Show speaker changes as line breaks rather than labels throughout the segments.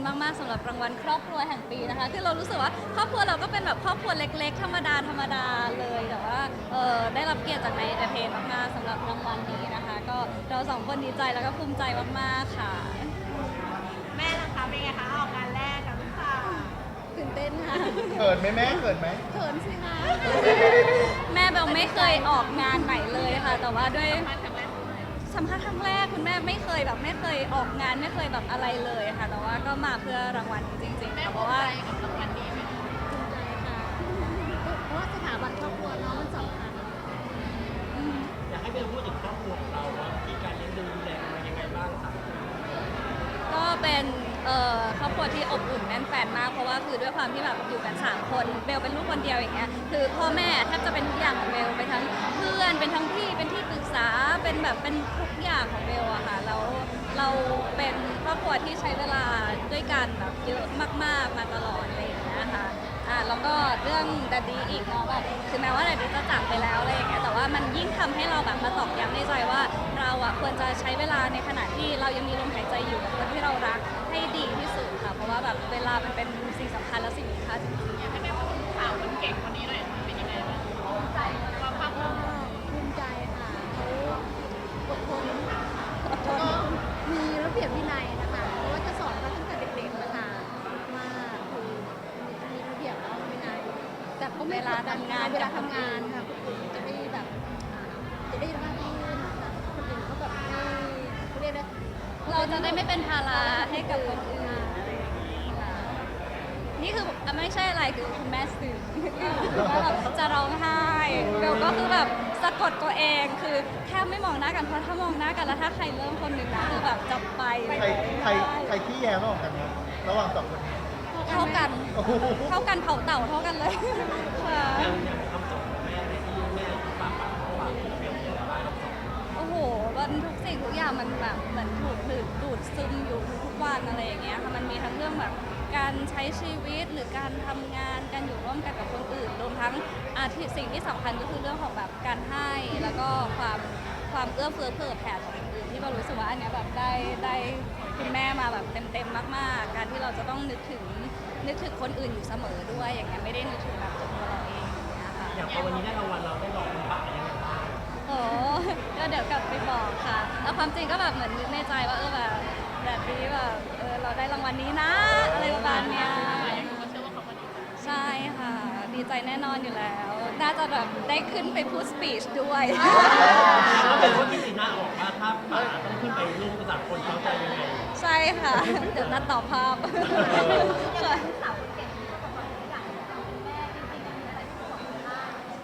มากๆสำหรับรางวัลครอบครัวแห่งปีนะคะคือเรารู้สึกว่าครอบครัวเราก็เป็นแบบครอบครัวเล็กๆธรรมดาเลยแต่ว่าได้รับเกียรติจากนายเอนเตอร์เทนมากๆสำหรับรางวัลนี้นะคะก็เราสองคนดีใจแล้วก็ภูมิใจมากๆค่ะ
แม่ล่ะคะเป็นไงคะออกงานแรกกับลูกสาว
ตื่นเต้นค่ะ
เขินไหมแม่เขินไหม
เขินสิคะแม่เบลไม่เคยออกงานไหนเลยค่ะแต่ว่าด้วยสัมภาษณ์ครั้งแรกคุณแม่ไม่เคยออกงานไม่เคยแบบอะไรเลยค่ะแต่ว่าก็มาเพื่อรางวัลจริงๆค่ะเพราะว่า
กับรางวัลนี้ไหมคะ
ภูมิใจค่ะเพราะว่าสถาบันครอบครัวเนาะมันสำคัญ
อยากให้เบลพูดถึงครอบครัวของเราว่ามีการเลี้ยงดูแลกันมายังไงบ้างครับ
ก็เป็นครอบครัวที่อบอุ่นแน่นแฟนมากเพราะว่าคือด้วยความที่แบบอยู่กัน3คนเบลเป็นลูกคนเดียวอย่างเงี้ยคือพ่อแม่แทบจะเป็นทุกอย่างของเบลเป็นทั้งเพื่อนเป็นทั้งพี่เป็นที่ปรึกษาเป็นแบบเป็นทุกอย่างของเบลอะค่ะแล้วเราเป็นครอบครัวที่ใช้เวลาด้วยกันแบบเยอะมากๆมาตลอดอะไรอย่างเงี้ยค่ะแล้วก็เรื่องดัดดี้อีกเนาะแบบคือแม้ว่าดัดดี้จะจากไปแล้วอะไรอย่างเงี้ยแต่ว่ามันยิ่งทำให้เราแบบมาตอกย้ำในใจว่าเราอะควรจะใช้เวลาในขณะที่เรายังมีลมหายใจอยู่กับคนที่เรารักให้ดีที่สุดค่ะเพราะว่าแบบเวลามันเป็นสิ่งสำคัญและสิ่งมีค่าจริงๆ
อยากให้แม่พูดถึงข่าวคนเก่งคนนี้หน่อยค่ะเป็นยังไงบ้างภูมิใจความภาคภูมิใจ
ภูมิใจค่ะเขาอดทนแล้วก็มีระเบียบวินัยนะคะเพราะว่าจะสอนเขาตั้งแต่เด็กๆนะคะว่าคือมีระเบียบแล้ววินัยแต่ก็ไม่
เวลาทำงาน
เวลาทำงานค่ะคนอื่นจะได้แบบจะได้ราบรื่นนะคะคนอื่นเขาแบบไม่เขาเรียกนะ
เราจะได้ไม่เป็นภาระให้กับคนอื่นอะไรอย่างนี้ค่ะนี่คือไม่ใช่อะไรคือคุณแม่สื่อว่าแบบจะร้องไห้เบลก็คือแบบสะกดตัวเองคือแทบไม่มองหน้ากันเพราะถ้ามองหน้ากันแล้วถ้าใครเริ่มคนหนึ่งนะคือแบบจะไปเลย
ใครขี้แย้มออกกันครับระหว่างสองคนนี้
เท่ากัน
โอ้โห
เท่ากันเผาเต่าเท่ากันเลยค่ะ
อย่างคำสอนของแม่ในที่แม่ฝากเบลเบลมีอะไรบ้างครับสอน
โอ้โหมันทุกสิ่งทุกอย่างมันแบบเหมือนถูกดูดซึมอยู่ทุกวันอะไรอย่างเงี้ยค่ะมันมีทั้งเรื่องแบบการใช้ชีวิตหรือการทำงานการอยู่ร่วมกันกับคนอื่นรวมทั้งที่สิ่งที่สำคัญก็คือเรื่องของแบบการให้แล้วก็ความเอื้อเฟื้อเผื่อแผ่ต่อคนอื่นที่เรารู้สึกว่าอันเนี้ยแบบได้คุณแม่มาแบบเต็มมากๆการที่เราจะต้องนึกถึงคนอื่นอยู่เสมอด้วยอย่างเงี้ยไม่ได้นึกถึงแบบตัวเราเองอย่างเงี้ยค่ะ
อย่างพอวันนี้ได้รางวัลเราได้บอกคุณป๋ายังไงบ้าง
โอ้ก็เดี๋ยวกลับไปบอกค่ะ แล้วความจริงก็แบบเหมือนนึกในใจว่าแบบนี้แบบเราได้รางวัลนี้นะ อะไรประมาณเนี้ย
ก็เชื่อว่าเขาก็ดีใจ
ใช่ค่ะ ดีใจแน่นอนอยู่แล้ว น่าจะแบบได้ขึ้นไปพูดสปีชด้วย
แล้วเป็นว่าพี่สีหน้าออกว่าถ้าป๋าต้องขึ้นไปร่วมกับสามคนเขาจะยังไง
ใช่ค่ะ เดี๋ยวนัดต่อภาพค่ะ
สาวคนเก่งที่ประสบความสำเร็จอย่างเป็นแม่จริงๆมีอะไรที่บอกคุณได้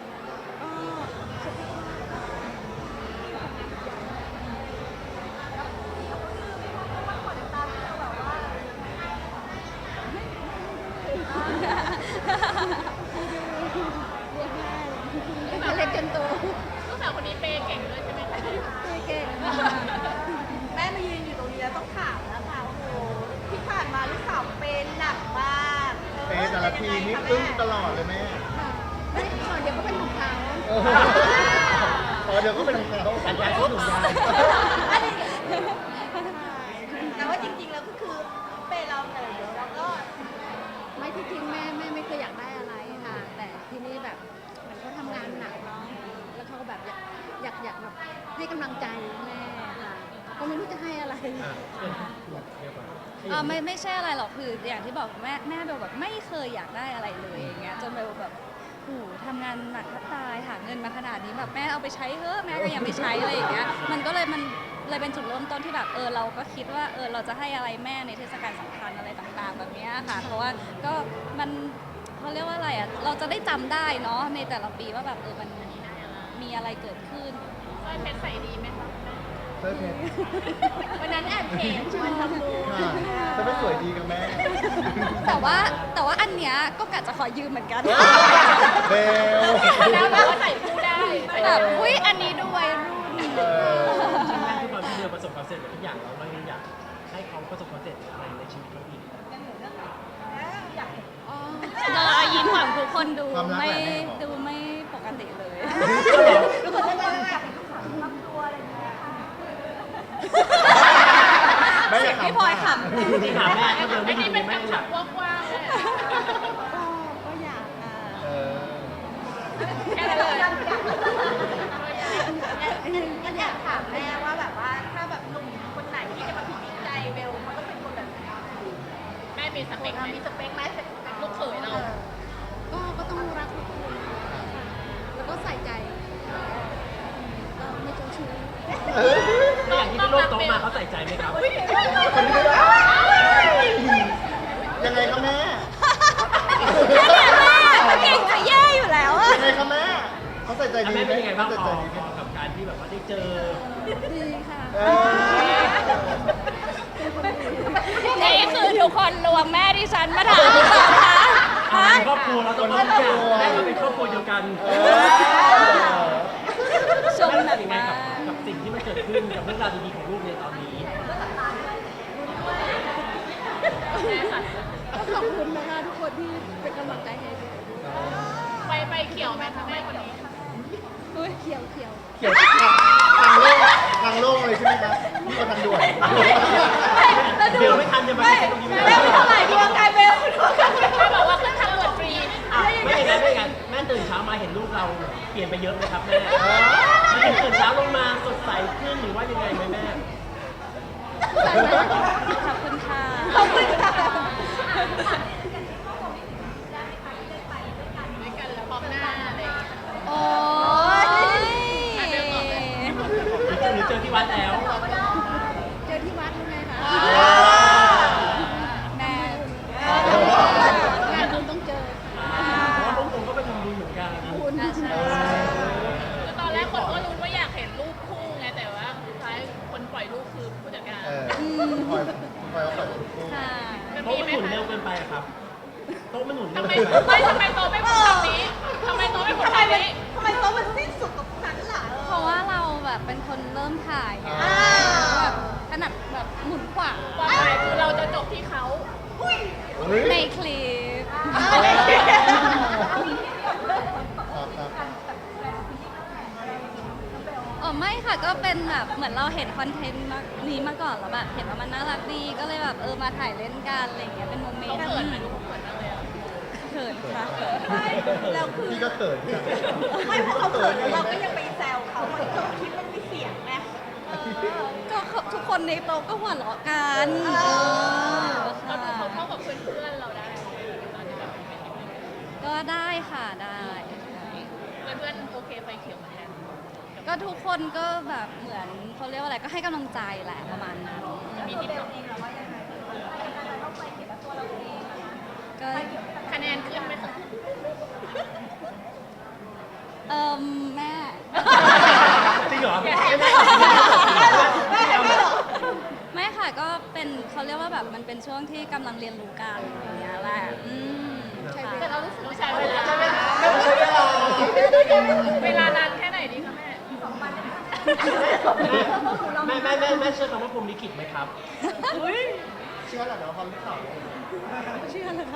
เล็กจนโต
ลูกสาวคนนี้เปย์เก่งด้วยใช่ไหมคะ
เก่ง
แม่มายืนอยู่ตรงนี้แล้วต้องถามแล้วค่ะโอ้โหที่ผ่านมาลูกสาวเป็นหนักมาก
เป๊ะแต่ละทีนี่อึ้งตลอดเลยแม่
ไม่ก่อนเดี๋ยวก็เป็นของเขา
โอ้โหพอเดี๋ยวก็เป็นของเขา
การย้ายชุดหนูยาย
แต่ว่าจริงๆแล้วก็คือเปย์เราแต่เดี๋ยวเราก็
ไม่ที่จริงแม่ไม่เคยอยากได้อะไรค่ะ แต่ทีนี้แบบเหมือนเขาทำงานหนักเนาะแล้วเขาก็แบบอยากแบบให้กำลังใจแม่ค่ะก็ไม่รู้จะให้อะไร
ไม่ใช่อะไรหรอกคืออย่างที่บอกแม่เบลแบบไม่เคยอยากได้อะไรเลยอย่างเงี้ยจนเบลแบบโอ้โหทำงานหนักแทบตายหาเงินมาขนาดนี้แบบแม่เอาไปใช้เถอะแม่ก็ยังไม่ใช้อะไรอย่างเงี้ยมันเลยเป็นจุดเริ่มต้นที่แบบเราก็คิดว่าเราจะให้อะไรแม่ในเทศกาลสำคัญอะไรต่างๆแบบเนี้ยค่ะเพราะว่าก็มันเขาเรียกว่าอะไรอ่ะเราจะได้จำได้เนาะในแต่ละปีว่าแบบมันมีอะไรเกิดขึ้น
สร้อยเพชรใส่ดีไหมคะ
เสื้อเพชร
วันนั้นแอบเห็นชวนทำบุญ
ค่ะเสื้อเพชรสวยดีกับแม่
แต่ว่าอันเนี้ยก็กะจะขอยืมเหมือนกัน
เบล
แล้วแบบว่าใส่คู่ได้
แบบอุ้ยอันนี้ดูวัยรุ่น
เออ
จริงๆที่ความที่เบลประสบความสำเร็จทุกอย่างแล้วเรายังอยากให้เขาประสบความสำเร็จอะไรในชีวิตเขาอีก
อยากเห็น
เรายิ้มของทุกคนดู
ความรัก
ไม่
แหละแม่บอก
ดูไม่ปกติเลย
ทุกคนจะอยากเห็นลูกสาวทำตัวอะไรอย่างเงี้ย
แม่อยาก
พี่พลอยข
ที่ถามแม่ถ้าเดินไม่ดีแม่อยาก
ก็อยากค่ะ
เออ
แค่นั้นเลยก็อยากถามแม่ว่าแบบว่าถ้าแบบหนุ่มคนไหนที่จะมาพิจิตใจเบลเขาต้องเป็นคนแบบไหนแม่มีสเปคไหมมีสเปคไหมลูกเขยเรา
ก็ต้องรักทุกคนค่ะแล้วก็ใส่ใจก็ไม่เจ้าชู้
แล้วอย่างที่พี่โลกโตมาเขาใส่ใจไหมครับ
คนนี้ไม่ได้ยังไงคะแม่
ำแค่เนี้ยแม่เก่งจะแย่อยู่แล้วอะ
ยังไงคะแม่เขาใส่ใจ
แล้ว
ดี
แม่
ไหม
เป็นยังไงบ้าง
เขา
พ
ใส่
อ
ใจดีไหม
กับการที่แบบว่าได้เจอ
ดีค่ะ
เออ
นี่คือทุกคนรวมแม่ดิฉันมาถามหรือเปล่าคะ
อ่า
ฮะ
เป็นครอบครัวเราต้องรู้กันแม่ก็เป็นครอบครัวเดียวกัน
เออ
ชม
แม่
หนั
รู้สึ
ก
กยังไง
มา
กับ
ก
สิ่งที่มันเกิดขึ้นกับเรื่องราวดีๆของลูกในตอนนี้
ก็ขอบคุณนะคะทุกคนที่เป็นกำลังใจให้ด้วย
ไปเขียวไหมคะแม่คนนี้
เขียว
เขียวทางโล่งเลยใช่ไหมครับนี่ก็ทางด่วน
เดี๋ยวไม่ทันจะมาถึงตรงนี้ไม่
แม่
ได้
ไม่เท่าไหร่ดวงกายเบลดวงกายเบลแม่บอกว่าขึ้นทางด่วนฟรี
ไม่อย่างนั้นไม่อย่างนั้นแม่ตื่นเช้ามาเห็นลูกเราเปลี่ยนไปเยอะเลยครับแม่มันตื่นเช้าลงมาสดใสขึ้นหรือว่ายังไงไหมแม่
ขอบคุณค่ะ
ขอบคุณค่ะด้วยกันแล้วพร้อมหน้าอะไรอย่างเงี้ย
โอ้ย
หรือเจอที่วัดแล้ว
เจอที่วัดรู้ไงคะ
แม่
งานบุญต้องเจอ
เพราะว่าพวกผมก็ไปทำบุญเหมือนกัน
บุญ
ใช่
คือตอนแรกคนก็รู้ว่าอยากเห็นรูปคู่ไงแต่ว่าสุดท้ายคนปล่อยรูปคือผู้จัดการ
เออคอยเอาทุกคู่
ค่ะ
โต๊ะมันหมุนเร็วเกินไปอะครับโต๊ะมันหมุนเร็ว
ทำไม
เกินไป
ทำไมโตไม่พูดแบบนี้ทำไมโตไม่พูดแบบนี้ทำไมโตมันสิ้นสุดตรงนั้นล่ะ
เพราะว่าเราแบบเป็นคนเริ่มถ่ายไงแบบถนัดแบบหมุนขวา
ความหมายคือเราจะจบที่เขา
ในคลิป
ครับ
อ๋อไม่ค่ะก็เป็นแบบเหมือนเราเห็นคอนเทนต์นี้มาก่อนแล้วแบบเห็นว่ามันน่ารักดีก็เลยแบบมาถ่ายเล่นกันอะไรอย่างเงี้ยเป็นโมเมน
เขา
ต์
เขินไหมลูกเขาเขินมากเลยอะ
เขินค่ะ
เราคือ
พี่ก็เขินค่ะ
ไม่พวกเขาเขินแล้วเราก็ยังไปแซวเขาเหมือนกับคลิปมันมีเสียงไง
ก็ทุกคนในโต๊ะก็หัวเราะกัน
เรา
ค่ะ
ดูเขาเข้ากับเพื่อนๆเราได้ตอนที่แบบเป็น
ก็ได้ค่ะได้
เพื่อนๆโอเคไฟเขียวเหมือนกัน
ก็ทุกคนก็แบบเหมือนเขาเรียกว่าอะไรก็ให้กำลังใจแหละประมาณนั้น
มีทิปเองหรอว่ายังไง
ก็
คะแนนขึ้นไหมคะ
แม่
จริงเหรอ
ไม่ค่ะก็เป็นเขาเรียกว่าแบบมันเป็นช่วงที่กำลังเรียนรู้กันอย่างเงี้ยแหละค่ะ
แต่เรารู้สึกว่าใช้เวลาเวลานานแค่ไหนดีคะแม่2 วัน
แม่เชื่อคำว่าพรหมลิขิตไหมครับ
เชื่อแหละเดี๋ยวความที่ข่าว
เชื่อเลยค่ะ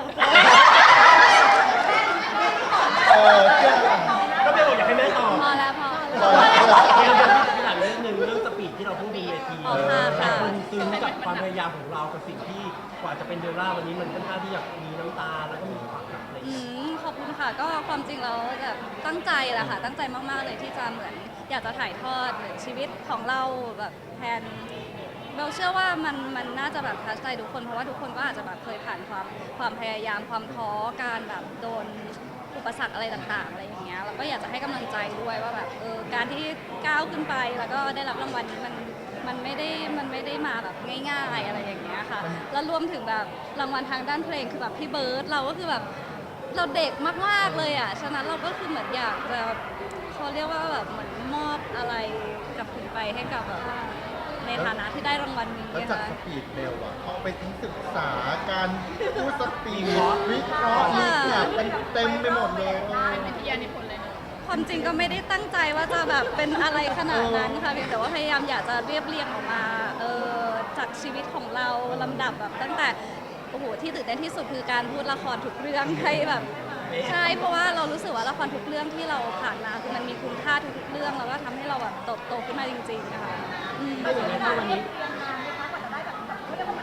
เชื่อแหละ
ก็ไม่บอกอยากให้แม่ตอบ
พอแล้วพอ
ที่หลังเรื่องหนึ่งเรื่องสปีดที่เราพูดบนเวที
อ๋อค่ะ
หลายคนซึ้งกับความพยายามของเรากับสิ่งที่กว่าจะเป็นเดลล่าวันนี้มันค่อนข้างที่จะมีน้ำตาแล้วก็มีความแบบอะไรอย่างเงี้ย
ขอบคุณค่ะก็ความจริงแล้วแบบตั้งใจแหละค่ะตั้งใจมากๆเลยที่จะเหมือนอยากจะถ่ายทอดเหมือนชีวิตของเราแบบแทนเบลเชื่อว่ามันน่าจะแบบทัชใจทุกคนเพราะว่าทุกคนก็อาจจะแบบเคยผ่านความพยายามความท้อการแบบโดนอุปสรรคอะไรต่างๆอะไรอย่างเงี้ยแล้วก็อยากจะให้กำลังใจด้วยว่าแบบการที่ก้าวขึ้นไปแล้วก็ได้รับรางวัลนี้มันไม่ได้มาแบบง่ายๆอะไรอย่างเงี้ยค่ะแล้วรวมถึงแบบรางวัลทางด้านเพลงคือแบบพี่เบิร์ดเราก็คือแบบเราเด็กมากๆเลยอ่ะฉะนั้นเราก็คือเหมือนอยากจะเขาเรียกว่าแบบเหมือนมอบอะไรกลับคืนไปให้กับแบบในฐานะที่ได้รางวัลนี้
แล้ว
นะ
จาก
คะ
สปีดเบลอะเขาไปทั้งศึกษาการพูดสปีดวิเคราะห์มีแบบเป็นเต็มไปหมดเลย
เป็นวิทยานิพนธ์เลยเนอะ
ความจริงก็ไม่ได้ตั้งใจว่าจะแบบเป็นอะไรขนาดนั้นค่ะเพียงแต่ว่าพยายามอยากจะเรียบเรียงออกมาจากชีวิตของเราลำดับแบบตั้งแต่โอ้โหที่ตื่นเต้นที่สุดคือการพูดละครทุกเรื่องให้แบบใช่เพราะว่าเรารู้สึกว่าละครทุกเรื่องที่เราผ่านมาคือมันมีคุณค่าทุกๆเรื่องแล้วก็ทำให้เราแบบโตขึ้นมาจริงๆนะคะ
ถ้าอย่างนั้นถ้าวันนี้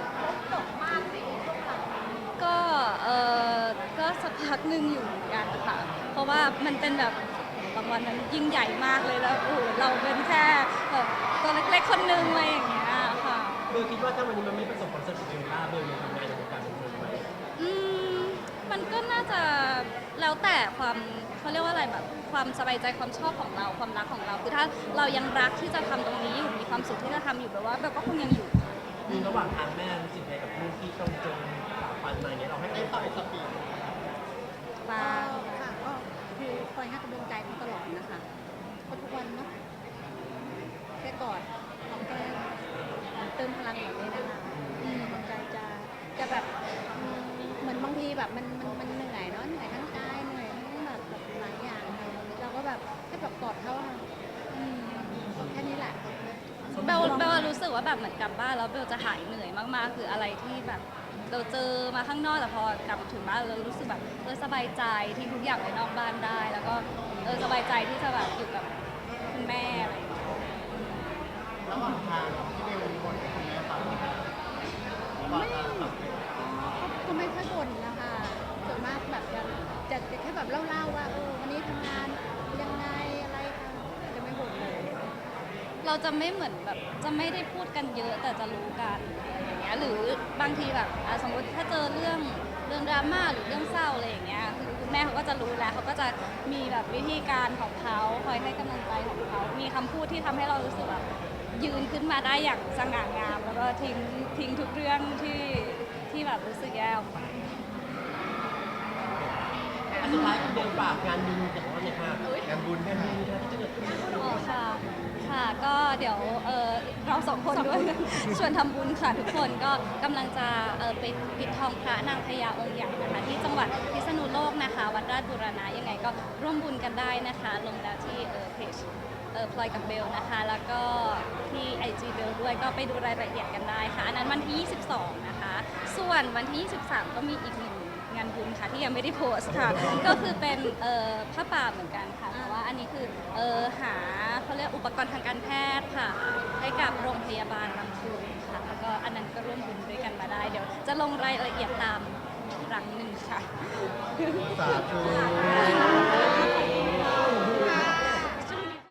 มันเป็นแบบรางวัลนั้นยิ่งใหญ่มากเลยแล้วโอ้โหเราเป็นแค่แบบตัวเล็กๆคนนึงอะไรอย่างเงี้ยค่ะ
เบลคิดว่าถ้าวันนี้มันไม่ประสบความสำเร็จเบลล่าเบลยังทำงานในวงการบันเทิงไหม
อืมมันก็น่าจะแล้วแต่ความเขาเรียกว่าอะไรแบบความสบายใจความชอบของเราความรักของเราคือถ้าเรายังรักที่จะทำตรงนี้อยู่มีความสุขที่จะทำอยู่แบบว่าแบบก็คงยังอยู่ค่ะ
มีระหว่างทางแม่รู้สึกไงกับลูกที่ต้องเจอฝ่าฟันมาอย่างเงี้ยเราให้
ได้
เขา
ต่อยสปีด
ปา
ค่ะก็คือคอยให้กำลังใจเขาตลอดนะคะก็ทุกวันเนาะแค่กอดหอมแก้มเติมพลังแบบนี้นะคะกำลังใจจะแบบเหมือนบางทีแบบมันเหนื่อยเนาะเหนื่อยทั้งกายเหนื่อยทั้งแบบหลายอย่างค่ะเราก็แบบแค่แบบกอดเขาค่ะแค่นี้แหละ
เบลรู้สึกว่าแบบเหมือนกลับบ้านแล้วเบลจะหายเหนื่อยมากๆคืออะไรที่แบบเราเจอมาข้างนอกแต่พอกลับถึงบ้านเรารู้สึกแบบสบายใจที่ทุกอย่างไปนอกบ้านได้ แล้วก็สบายใจที่จะแบบอยู่กับคุณแม่อะไรอย่างเงี้ย
ระหว่างทางที่เบลบ่นให้คุณแม่ฟังก่อนจะตัดสิน
ก็ไม่ค่อยบ่นนะคะส่วนมากแบบจะแค่แบบเล่าๆว่าวันนี้ทำงานยังไงอะไรค่ะจะไม่บ่นเลย
เราจะไม่เหมือนแบบจะไม่ได้พูดกันเยอะแต่จะรู้กันอะไรอย่างเงี้ยหรือบางทีแบบสมมติถ้าเจอเรื่องดราม่าหรือเรื่องเศร้าอะไรอย่างเงี้ยคือคุณแม่เขาก็จะรู้แล้วเขาก็จะมีแบบวิธีการของเขาคอยให้กำลังใจของเขามีคำพูดที่ทำให้เรารู้สึกแบบยืนขึ้นมาได้อย่างสง่างาม แล้วก็ทิ้งทุกเรื่องที่แบบรู้สึกแย่ออกไป
อันสุดท้ายเบลฝากงานบุญของเราเนี่ยค่ะ
งานบุญใช่ไหม
ที่จะเกิดขึ้น
อ๋อค่ะ ค่ะ ก็เดี๋ยวเราสองคนด้วย ชวนทำบุญค่ะทุกคนก็กำลังจะไปปิดทองพระนางพญาองค์ใหญ่นะคะที่จังหวัดพิษณุโลกนะคะ วัดราชบูรณะยังไงก็ร่วมบุญกันได้นะคะ ลงแล้วที่เพจพลอยกับเบลนะคะ แล้วก็ที่ IG เบลด้วยก็ไปดูรายละเอียดกันได้ค่ะ อันนั้นวันที่ 22 นะคะ ส่วนวันที่ 23 ก็มีอีกหนึ่งงานบุญค่ะที่ยังไม่ได้โพสต์ค่ะ ก็คือเป็นผ้าป่าเหมือนกันค่ะแต่ว่าอันนี้คือหาเขาเรียกอุปกรณ์ทางการแพทย์ค่ะ ให้กับโรงพยาบาลลำพูนค่ะ แล้วก็อันนั้นก็ร่วมบุญด้วยกันมาได้ เดี๋ยวจะลงรายละเอียดตามครั้งหนึ่งค่ะ
สาธุ